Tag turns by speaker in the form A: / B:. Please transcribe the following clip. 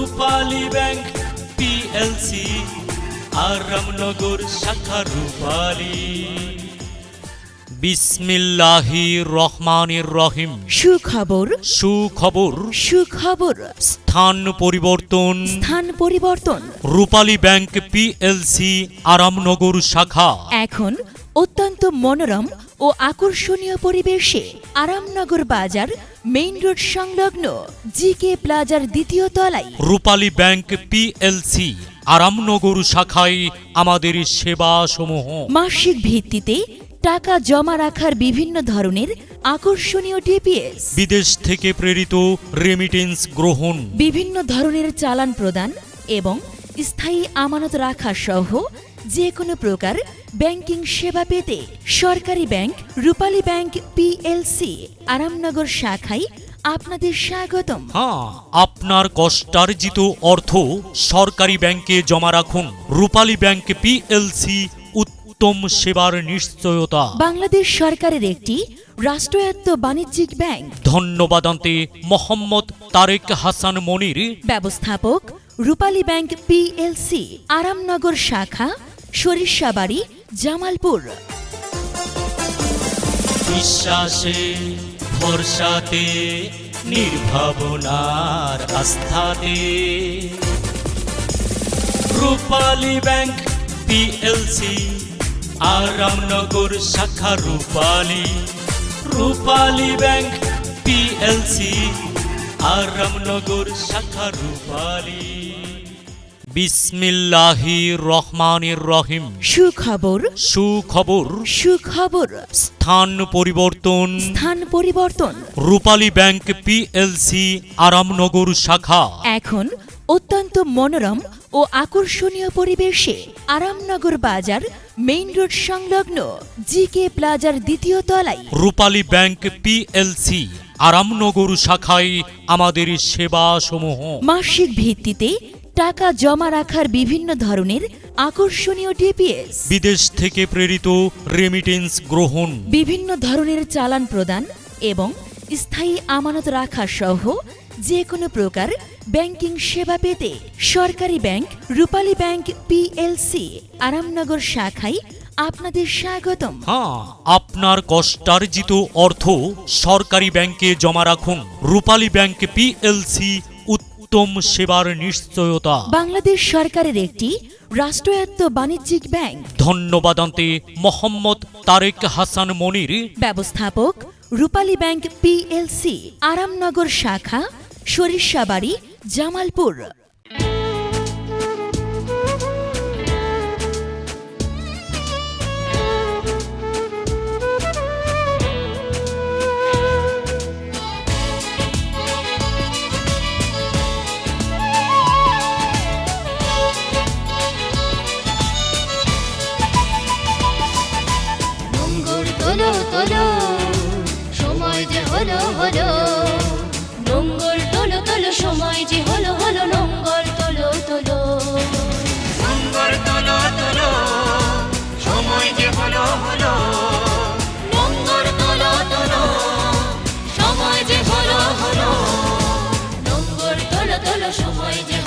A: রূপালী bank PLC Aramnagar শাখা রূপালী। বিসমিল্লাহির রহমানির রহিম।
B: সুখবর
A: সুখবর
B: সুখবর।
A: স্থান পরিবর্তন
B: স্থান পরিবর্তন।
A: রূপালী ব্যাংক পিএলসি আরামনগর শাখা
B: এখন অত্যন্ত মনোরম ও আকর্ষণীয় পরিবেশে আরামনগর বাজার মেইন রোড সংলগ্ন জিকে প্লাজার দ্বিতীয় তলায়
A: রূপালী ব্যাংক পিএলসি আরামনগর শাখায় আমাদের সেবা সমূহ।
B: মাসিক ভিত্তিতে টাকা জমা রাখার বিভিন্ন ধরনের আকর্ষণীয় ডিপিএস,
A: বিদেশ থেকে প্রেরিত রেমিটেন্স গ্রহণ,
B: বিভিন্ন ধরনের চালান প্রদান এবং স্থায়ী আমানত রাখা সহ যে কোনো প্রকার ব্যাংকিং সেবা পেতে সরকারি bank Rupali bank PLC Aramnagar শাখায় আপনাদের স্বাগতম।
A: হ্যাঁ, আপনার কষ্টার্জিত অর্থ সরকারি ব্যাংকে জমা রাখুন। রূপালী ব্যাংক পিএলসি উত্তম সেবার নিশ্চয়তা।
B: বাংলাদেশ সরকারের একটি রাষ্ট্রায়ত্ত বাণিজ্যিক ব্যাংক।
A: ধন্যবাদান্তে মোহাম্মদ তারেক হাসান মনির,
B: ব্যবস্থাপক রূপালী ব্যাংক পিএলসি আরামনগর শাখা সরিষাবাড়ি জামালপুর।
A: বিশ্বাসে ভরসাতে নির্ভাবনার আস্থাতে রূপালী ব্যাংক পিএলসি আরামনগর শাখা রূপালী। রূপালী ব্যাংক পিএলসি আরামনগর শাখা রূপালী। বিসমিল্লাহির রহমানির রহিম।
B: সুখবর
A: সুখবর
B: সুখবর।
A: স্থান পরিবর্তন
B: স্থান পরিবর্তন।
A: রূপালী ব্যাংক পিএলসি আরামনগর শাখা
B: এখন অত্যন্ত মনোরম ও আকর্ষণীয় পরিবেশে আরামনগর বাজার মেইন রোড সংলগ্ন জিকে প্লাজার দ্বিতীয় তলায়
A: রূপালী ব্যাংক পিএলসি আরামনগর শাখায় আমাদের সেবা সমূহ।
B: মাসিক ভিত্তিতে টাকা জমা রাখার বিভিন্ন ধরনের আকর্ষণীয় ডিপিএস,
A: বিদেশ থেকে প্রেরিত রেমিটেন্স গ্রহণ,
B: বিভিন্ন ধরনের চালান প্রদান এবং স্থায়ী আমানত রাখা সহ যে কোনো প্রকার ব্যাংকিং সেবা পেতে সরকারি bank Rupali bank PLC Aramnagar শাখায় আপনাদের স্বাগতম।
A: হ্যাঁ, আপনার কষ্টার্জিত অর্থ সরকারি ব্যাংকে জমা রাখুন। রূপালী ব্যাংক পিএলসি উত্তম সেবার নিশ্চয়তা।
B: বাংলাদেশ সরকারের একটি রাষ্ট্রায়ত্ত বাণিজ্যিক ব্যাংক।
A: ধন্যবাদান্তে মোহাম্মদ তারেক হাসান মনির,
B: ব্যবস্থাপক রূপালী ব্যাংক পিএলসি আরামনগর শাখা সরিষাবাড়ি জামালপুর।
C: তোলো তোলো সময় যে হলো হলো, নোঙ্গর তোলো তোলো সময় যে হলো হলো, নোঙ্গর তোলো তোলো, নোঙ্গর তোলো তোলো সময় যে হলো হলো, নোঙ্গর তোলো তোলো সময় যে হলো হলো, নোঙ্গর তোলো তোলো সময় যে